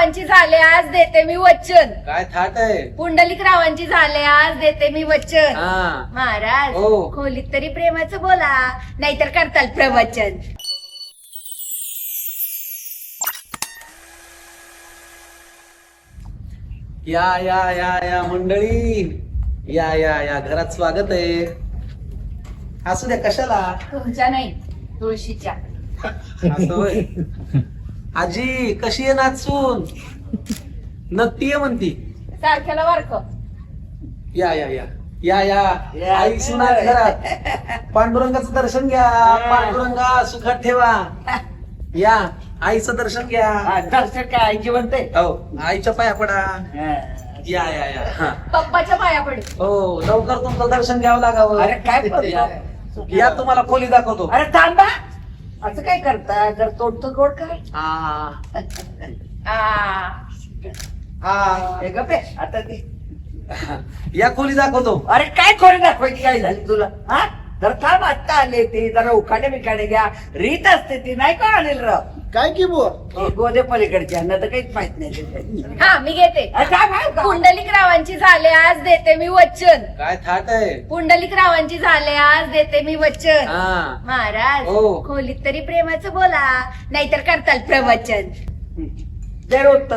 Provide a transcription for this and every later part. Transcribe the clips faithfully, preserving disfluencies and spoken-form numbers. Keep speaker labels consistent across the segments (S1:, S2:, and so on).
S1: रावांची झाले आज देते मी वचन.
S2: काय थाट आहे?
S1: पुंडलिक रावांची झाले आज देते मी वचन.
S2: हा
S1: महाराज
S2: हो.
S1: खोलीत तरी प्रेमाचं बोला, नाहीतर करताल प्रवचन.
S2: या या या या मंडळी, या या या घरात स्वागत आहे. असू द्या, कशाला?
S1: तुमच्या नाही, तुळशीच्या.
S2: असं होय. आजी कशी आहे नाचून? नक्की आहे म्हणती.
S1: सारख्याला वारक.
S2: या या या या या आई सुना घरात. पांडुरंगाचं दर्शन घ्या. पांडुरंगा सुखात ठेवा. या आईचं दर्शन घ्या.
S3: दर्शन काय आईची म्हणते.
S2: हो आईच्या पाया पडा. या या या हा.
S1: पप्पाच्या पाया पडे.
S2: हो लवकर तुमचं दर्शन घ्यावं लागावं.
S3: अरे काय करतो?
S2: या तुम्हाला खोली दाखवतो.
S3: अरे थांबा, असं काय करता? जर तोडतो गोड काय.
S2: आ,
S1: आ,
S2: आ,
S3: हे गप्पे आता ते.
S2: या खोली दाखवतो.
S3: अरे काय खोरी दाखवायची काय झाली तुला? हा जर थांब, आत्ता आले ते जरा उखाडे बिखाडे घ्या. रीत असते ती नाही का आणेल राव.
S4: काय की बुवा?
S3: हे गोदे पलीकडचे यांना तर काहीच माहित नाही ते.
S1: हा मी घेते.
S3: अरे काय माहित का?
S1: पुंडलिक रावांची झाले आज देते मी वचन.
S2: काय थाट आहे?
S1: पुंडलिक रावांची झाले आज देते मी वचन.
S2: हा
S1: महाराज
S2: हो.
S1: खोलीत तरी प्रेमाचं बोला, नाहीतर करताल प्रवचन.
S3: दे उत्तर.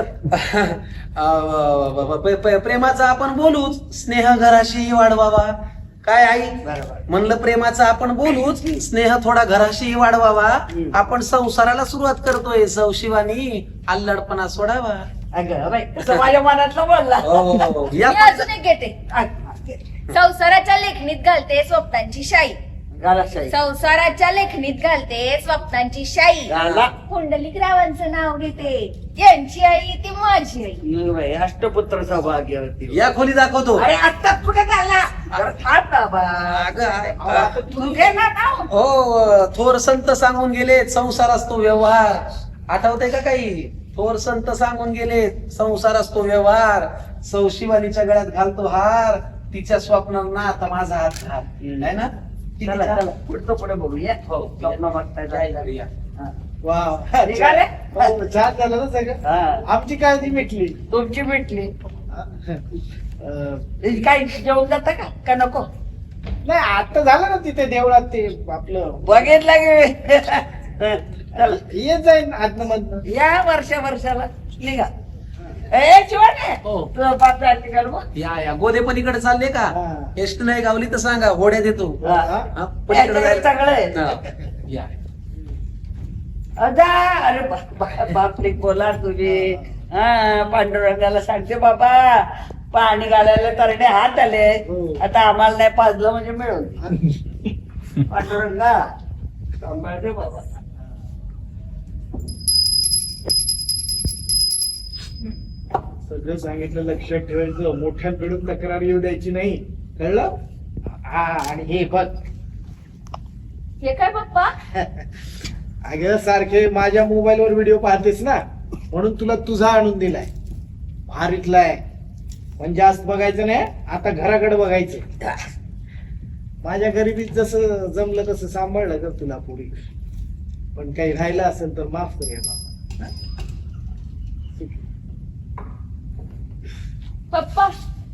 S2: अ, प- प- प्रेमाचं आपण बोलूच, स्नेह घराशी वाढवावा. काय आई?
S3: बरोबर.
S2: म्हणलं प्रेमाचं आपण बोलूच, स्नेह थोडा घराशी वाढवावा. आपण संसाराला सुरुवात करतोय. सौशिवानी अल्लडपणा सोडावा.
S3: अगं बाई, कसं माझ्या मनातलं बोलला.
S2: हो, या
S1: मी अजून एक घेते. संसाराच्या लेखणीत घालते स्वप्नांची शाई.
S3: घालाशाही.
S1: संसाराच्या लेखणीत घालते स्वप्नांची शाई.
S3: घाला.
S1: पुंडलिक रावांचं नाव घेते, यांची आई ती माझी आई.
S3: नाही बाई, अष्टपुत्र सौभाग्यवती.
S2: या खोली दाखवतो.
S3: अरे आत्ता कुठे झाला? जरा थांब बाबा.
S2: अगं,
S3: अहो, आता तू घे ना नाव.
S2: हो थोर संत सांगून गेले, संसार असतो व्यवहार. आठवतंय का काही? थोर संत सांगून गेले, संसार असतो व्यवहार. सौशिवानीच्या गळ्यात घालतो हार, तिच्या स्वप्नांना आता माझा हात घाल. आहे ना? किती
S3: चला
S2: छान.
S3: चला पुढचं पुढे बघूया.
S2: हो
S3: स्वप्न बघताय जायला.
S2: या.
S3: हा.
S4: वा
S3: निघाले?
S4: हो, छान झालं ना सगळं.
S3: हा.
S4: आमची काळजी मिटली.
S3: तुमची भेटली.
S4: अं,
S3: काय जेवण जाता का का नको?
S4: नाही आता झालं ना तिथे देवळात ते आपलं
S3: बघितलं गे. चला
S4: येत जाईन आतनं मधनं.
S3: या वर्षा वर्षाला निघा. ए शिवाने
S2: हो.
S3: तुझं पाच निघाल मग.
S2: या या गोदे पलीकडे चालले का?
S4: हा.
S2: एसटी नाही गावली तर सांगा, होड्या देतो.
S3: हा.
S2: हा, पलीकडे
S3: याच्याकडे
S2: जायला.
S3: सगळं आहे.
S2: हा. या
S3: अदा अरे बा- बा- बापले बोला तुझे. हा पांडुरंगाला सांगते बाबा, पाणी घालायला तरडे हात आले.
S4: हो.
S3: आता आम्हाला नाही पाजलं म्हणजे मिळून. पांडुरंगा सांभाळते बाबा.
S4: सगळं सांगितलं, लक्षात ठेवायचं. मोठ्यांकडून तक्रार येऊ द्यायची नाही, कळलं? हा आणि हे बघ,
S1: हे काय पप्पा?
S4: अगं सारखे माझ्या मोबाईल वर व्हिडिओ पाहतेस ना, म्हणून तुला तुझा आणून दिलाय. भारीतला आहे, पण जास्त बघायचं नाही. आता घराकडे बघायचं. माझ्या गरिबीत जसं जमलं तसं सांभाळलं कर तुला पुढे. पण काही राहिलं असेल तर माफ कर बाबा.
S1: पप्पा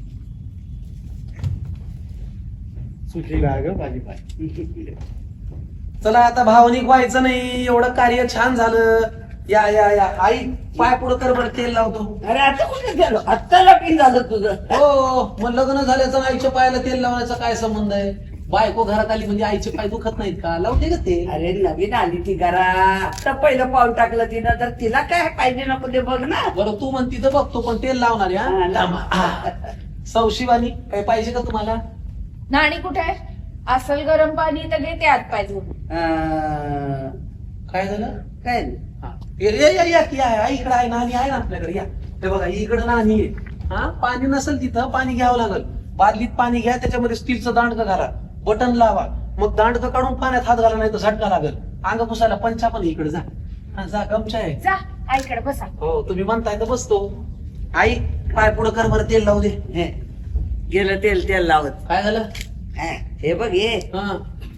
S4: सुखी राहा ग माझी बाई.
S2: चला आता भावनिक व्हायचं नाही. एवढं कार्य छान झालं. या या या आई पाय पुढं कर बरं, तेल लावतो.
S3: अरे आता कुठे गेलो? आत्ता लगीन झालं तुझं.
S2: हो मग लग्न झाल्याचं आणि आईच्या पायाला तेल लावण्याचा काय संबंध आहे? बायको घरात आली म्हणजे आईचे पाय दुखत नाहीत का? लावते का ते?
S3: अरे नवीन आली ती घरा, आता पहिलं पाऊल टाकलं तिनं, तर तिला काय पाहिजे नको ते बघ ना.
S2: बरं तू म्हणती तर बघतो, पण तेल लावणार
S3: हा,
S2: या
S3: लाव.
S2: सौशिवानी काय पाहिजे का तुम्हाला?
S1: नाणी कुठे आहे? असल गरम पाणी तर घेते आत पाहिजे.
S3: अं,
S2: काय झालं?
S3: काय नाही.
S2: हा. ये- ये- ये- या की आहे, आई इकडे आहे, नाणी आहे ना आपल्याकडे. या हे बघा इकडे नाणी आहे. हा पाणी नसेल तिथं पाणी घ्यावं लागल. बादलीत पाणी घ्या, त्याच्यामध्ये स्टीलचं दांडकं घाला, बटन लावा, मग दांडकं काढून पाण्यात हात घाला, नाही तर झटका लागल. अंग पुसायला पंचा पण इकडे जा. हा, जा गमचा आहे.
S1: जा आईकडे बसा.
S2: हो तुम्ही म्हणताय तर बसतो. आई पाय पुढं कर बरं, तेल लावू दे.
S3: हे, गेलं तेल तेल लावत.
S2: काय झालं?
S3: हा, हे बघ हे
S2: हा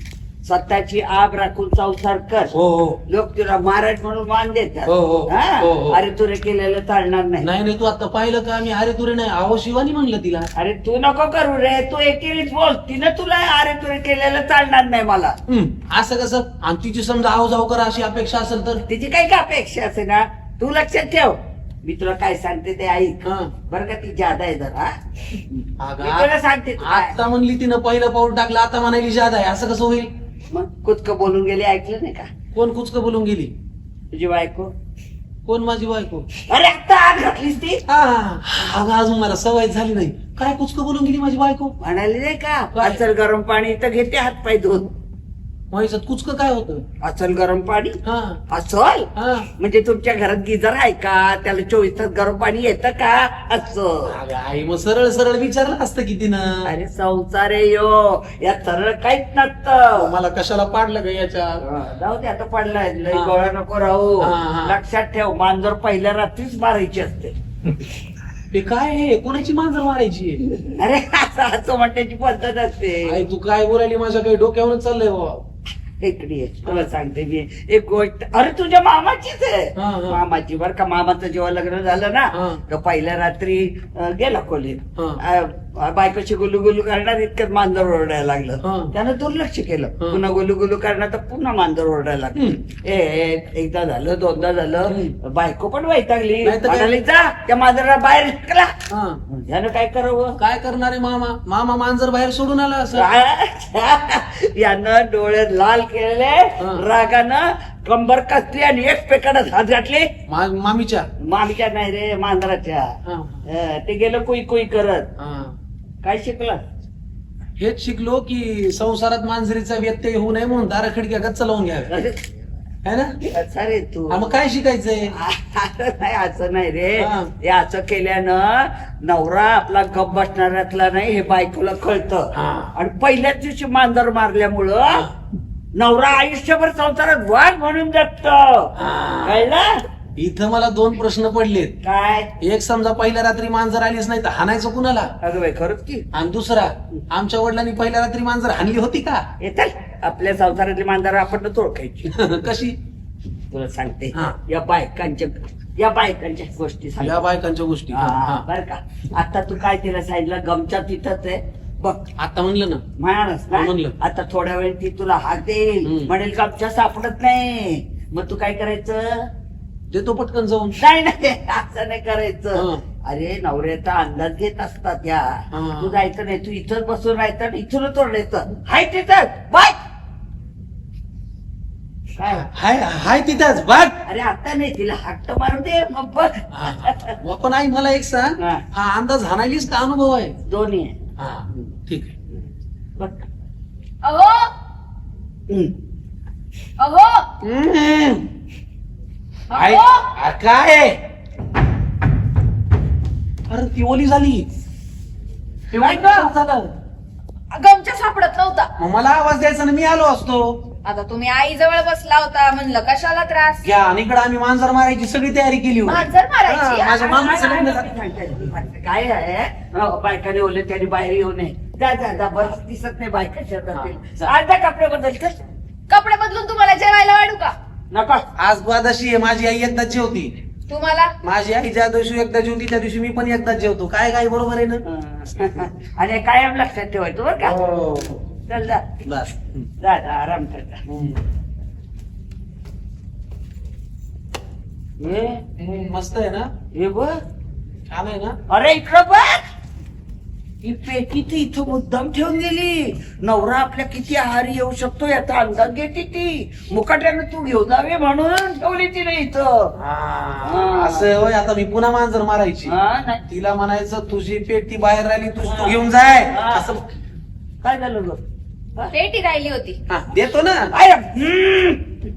S3: स्वतःची आब राखून संसार कर.
S2: हो हो
S3: लोक तुला महाराज म्हणून मान देतात.
S2: हो, हो.
S3: हा?
S2: हो, हो.
S3: अरे तुरे केलेलं चालणार नाही.
S2: नाही नाही तू आता पाहिलं का मी अरे तुरे नाही आहो शिवानी म्हणलं तिला.
S3: अरे तू नको करू रे, तू एकेरीच बोल. तिनं तुला अरे तुरे केलेलं चालणार नाही मला.
S2: हम्म, असं कसं आणि तिची समजा आहो जाऊ करा अशी अपेक्षा असेल तर.
S3: तिची काही का अपेक्षा असे ना, तू लक्षात ठेव. मी तुला काय सांगते ते ऐक
S2: हा.
S3: बरं का, ती जादा आहे जरा.
S2: अगं,
S3: मी तुला सांगते तू काय.
S2: आता म्हणली तिनं पहिलं पाऊल टाकलं आता म्हणायली जादा आहे असं कसं होईल.
S3: मग कुचकं बोलून गेली, ऐकलं नाही का
S2: कोण कुचकं बोलून गेली.
S3: तुझी बायको?
S2: कोण माझी बायको.
S3: अरे आता आग घातलीस ती.
S2: हा अगं अजून मला सवय झाली नाही. काय कुचकं बोलून गेली माझी बायको.
S3: म्हणाली नाही का,
S2: काय?
S3: अचल गरम पाणी तर घेते हात पाय धुवून.
S2: माझ्यात कुचकं काय होतं.
S3: अचल गरम पाणी?
S2: हा
S3: अचल
S2: हा
S3: म्हणजे तुमच्या घरात गिझर आहे का, त्याला चोवीस तास गरम पाणी येतं का? असं.
S2: अगं आई मग सरळ सरळ विचारलं असतं की तिनं.
S3: अरे संसार आहे यो, या सरळ काहीच नसतं.
S2: मला कशाला पाडलं ग याच्या.
S3: जाऊ दे आता पडलाय, लय
S2: हा.
S3: गोळा नको राहू.
S2: हा, हा.
S3: लक्षात ठेव, मांजर पहिल्या रात्रीच मारायची असते.
S2: ते काय आहे कोणाची मांजर मारायची.
S3: अरे असं असं म्हणण्याची पद्धत असते.
S2: आई तू काय बोलायली माझ्या काही डोक्यावरून चाललंय बाबा.
S3: इकडे ये, तुला सांगते मी एक गोष्ट. अरे तुझ्या मामाचीच आहे.
S2: हा, हा.
S3: मामाची बर का. मामाचं जेव्हा लग्न झालं ना,
S2: हा.
S3: तर पहिल्या रात्री अं, गेला खोलीत.
S2: हा.
S3: अं, बायकोची गुलू गुलू करणार, इतकं मांजर ओरडायला
S2: हा.
S3: लागलं. त्यानं दुर्लक्ष केलं.
S2: हा.
S3: पुन्हा गुलू गुलू करणार तर पुन्हा मांजर ओरडायला लागलं.
S2: हम्म.
S3: ए ए, एकदा झालं, दोनदा झालं.
S2: हम्म.
S3: बायको पण वैतागली.
S2: नाही तर काय?
S3: म्हणाली, जा त्या मांजराला बाहेर ढकला.
S2: हा
S3: त्यानं काय करावं.
S2: काय करणार आहे मामा. मामा मांजर बाहेर सोडून आला असं.
S3: यानं डोळे लाल केले,
S2: हा.
S3: रागानं कंबर कसली आणि एक पेकाडत हात घातले.
S2: मा- मामीच्या.
S3: मामीच्या नाही रे, मांजराच्या.
S2: हा.
S3: अं, ते गेलं कुई कुई करत.
S2: हा.
S3: काय शिकलं.
S2: हेच शिकलो की संसारात मांजरीचा व्यत्यय होऊ नये म्हणून दारा खिडक्या गच्च लावून घ्याव्या है ना.
S3: अच्छा रे तू.
S2: हा, मग काय शिकायचंय.
S3: असं नाही, असं नाही रे.
S2: हा.
S3: हे असं केल्यानं नवरा आपला गप बसणाऱ्यातला नाही हे बायकोला कळतं.
S2: हा.
S3: आणि पहिल्याच दिवशी मांजर मारल्यामुळं
S2: हा.
S3: नवरा आयुष्यभर संसारात वाघ म्हणून जगत.
S2: हा.
S3: कळलं.
S2: इथं मला दोन प्रश्न पडलेत.
S3: काय.
S2: एक समजा पहिल्या रात्री मांजर आलीच नाही तर हाणायचं कुणाला.
S3: अगं बाई खरंच की.
S2: आणि दुसरा आमच्या वडिलांनी पहिल्या रात्री मांजर हाणली होती का.
S3: येतात आपल्या संसारातली मांजर आपण ओळखायची.
S2: कशी.
S3: तुला सांगते,
S2: हा.
S3: या बायकांच्या या बायकांच्या गोष्टी सांग.
S2: या बायकांच्या गोष्टी. हा, हा.
S3: बर का. आता तू काय तिला सांगितलं, गमच्या तिथंच आहे बघ.
S2: आता म्हणलं ना.
S3: म्हणालच ना,
S2: हा, म्हणलं.
S3: आता थोड्या वेळ ती तुला हात देईल,
S2: हम्म.
S3: म्हणेल गमच्या सापडत नाही. मग तू काय करायचं.
S2: देतो पटकन जाऊन.
S3: नाही नाही असं नाही करायचं.
S2: हा.
S3: अरे नवऱ्याचा अंदाज घेत असतात या.
S2: हा.
S3: तू जायचं नाही, तू इथंच बसून राहायचं आणि इथूनच ओरडायचं, हाय तिथं बाय. काय.
S2: हाय हाय तिथंच बघ.
S3: अरे आता नाही, तिला हट्ट मारू दे मग बघ.
S2: मग पण आई मला एक सांग.
S3: हा.
S2: हा अंदाज हाणायलीच का अनुभव आहे.
S3: दोन्ही आहे.
S2: हा ठीक आहे.
S3: बघ.
S1: अहो
S3: हम्म.
S1: अहो
S2: हम्म. आई
S1: अहो
S2: आ, काय आहे? अरे ती ओली झाली. ते
S1: काय
S2: वाईट
S1: गं?
S2: झालं.
S1: गमच्या सापडत नव्हता.
S2: मग मला आवाज द्यायचा ना मी आलो असतो.
S1: आता तुम्ही आई जवळ बसला होता, म्हणलं कशाला त्रास.
S2: घ्या आणि इकडे आम्ही मांजर मारायची सगळी तयारी केली होती.
S1: मांजर मारायची?
S2: हा, माझ्या मामाचं लग्न
S3: काय
S2: झालं.
S3: सांगताय? काय आहे, अहो, बायकाने ओले त्याने बाहेर येऊ नये. जा जा जा, बरं दिसत नाही बायका शेतातील.
S2: हा,
S3: आज जा कपडे बदल कर.
S1: कपडे बदलून तुम्हाला जेवायला वाढू का.
S3: नका.
S2: आज द्वादशी आहे. माझी आई एकदाच जेवती.
S1: तुम्हाला
S2: माझी आई ज्या दिवशी एकदा जेवती त्या दिवशी मी पण एकदाच जेवतो. काय काय बरोबर आहे ना.
S3: हं. आणि कायम लक्षात ठेवायचं बरं का.
S2: हो.
S3: चल जा
S2: बस.
S3: जा जा, आराम कर जा. हे
S2: हम्म, मस्त आहे ना.
S3: हे बघ.
S2: छान आहे ना.
S3: अरे इकडं बघ. ही पेटी ती इथं मुद्दाम ठेवून गेली. नवरा आपल्या किती आहारी येऊ शकतो याचा अंदाज घेते ती. मुकाट्यानं तू घेऊन जावे म्हणून ठेवली तिने इथं.
S2: हा, असं होय. आता मी पुन्हा मांजर मारायची.
S3: हा, नाही.
S2: तिला म्हणायचं तुझी पेटी बाहेर राहिली तू तू घेऊन जाय
S3: हा.
S2: असं.
S3: काय झालं ग. हा?
S1: पेटी राहिली होती.
S2: हा, देतो ना.
S3: अरे, हम्म.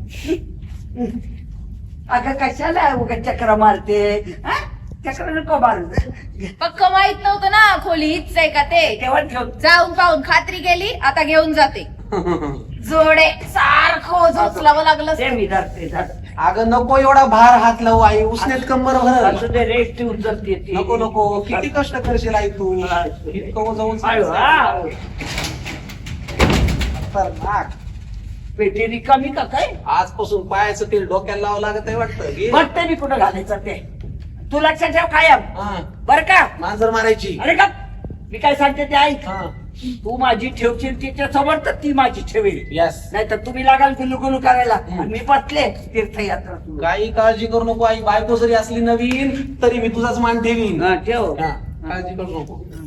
S3: अगं कशाला उगा चक्र मारते. हा? चक्र नको मारू.
S1: पक्क माहित नव्हतं ना खोली हीच आहे का ते.
S3: तेव्हा ठेव.
S1: जाऊन पाहून खात्री केली, आता घेऊन जाते. जोडे सारखं उचलावं लागलं.
S3: ते मी धरते धरते.
S2: अगं नको एवढा भार हात लावू आई. उसनेत कंबर भरल.
S3: असं ते रेस्ट उचलते ती.
S2: नको नको किती कष्ट करशील आई तू. इतकं जाऊन
S3: आयो, हा.
S2: खतरनाक.
S3: पेटी रिकामी का काय?
S2: आजपासून पायाचं तेल डोक्याला लावावं लागत आहे वाटतं घे.
S3: बघते मी कुठं घालायचं ते. तू लक्षात ठेव कायम
S2: हा,
S3: बर का?
S2: मांजर मारायची.
S3: अरे का मी काय सांगते ते ऐक.
S2: हा,
S3: तू माझी ठेवशील तिच्या समोर तर ती माझी ठेवेल.
S2: यस.
S3: नाही तर तुम्ही लागाल गुलू गुलू करायला आणि मी बसले तीर्थयात्रा सुरू.
S2: काही काळजी करू नको आई. बायको जरी असली नवीन तरी मी तुझाच मान ठेवीन.
S3: हा, ठेव.
S2: हा, काळजी करू नको.